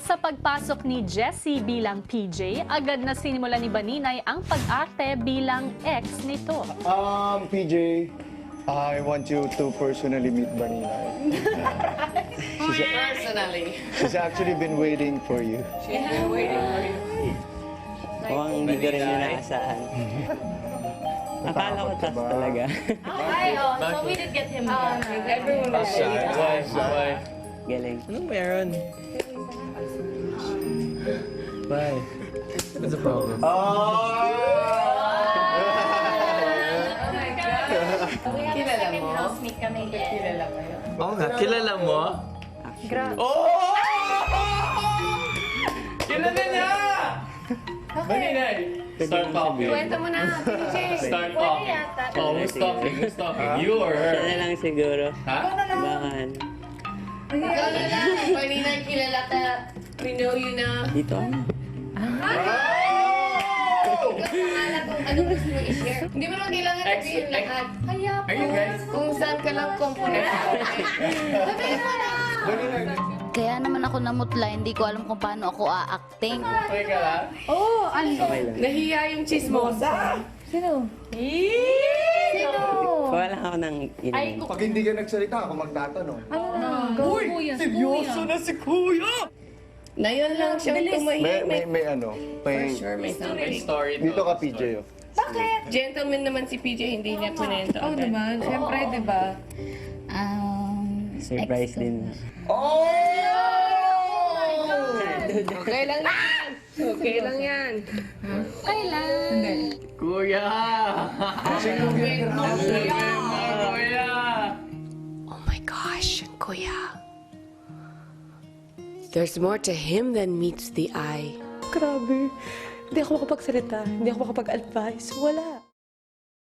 Sa pagpasok ni Jessie bilang PJ, agad na sinimula ni Baninay ang pag-arte bilang ex nito. PJ, I want you to personally meet Baninay. Personally. She's actually been waiting for you. She's been waiting for you. Mukhang hindi ko rin yun naasahan. Akala ko tough talaga. So we did get him here. Everyone was Why? Galing. Anong meron? Why? What's the problem? Kilala mo? Housemate kami. Kilala mo yun? Oo nga, kilala mo? Oh! Kilala niya! Baninay! Start talking. Kwento mo na, PJ. Start talking. Oh, who's talking? Who's talking? You or Siya na her? lang siguro. Ha? Bakan. Ikaw na lang. Paninay, kilala ka. We know you na. Dito. Pangalan kung ano gusto mo i-share. Hindi mo naman kailangan sabihin lahat. Kaya po. Are you guys? Kung saan ka lang component. Sabihin mo na. Kaya naman ako namutla, hindi ko alam kung paano ako a-acting. Okay ka lang? Okay lang. Nahiya yung chismosa. Kuha lang ako ng inumin. Pag hindi ka nagsalita, ako magtatanong. Seryoso na si Kuya! Na yun lang siyang tumahimik. May ano, For may... sure, may May something. story to. Dito ka, PJ, oh. Gentleman naman si PJ, hindi niya kunento. Oo naman, siyempre, di ba? Surprise din. Okay lang yan. Okay lang yan. Kuya! Kuya! Oh my gosh, Kuya. There's more to him than meets the eye. Grabe. Hindi ako makapagsalita. Hindi ako makapag-advise. Wala.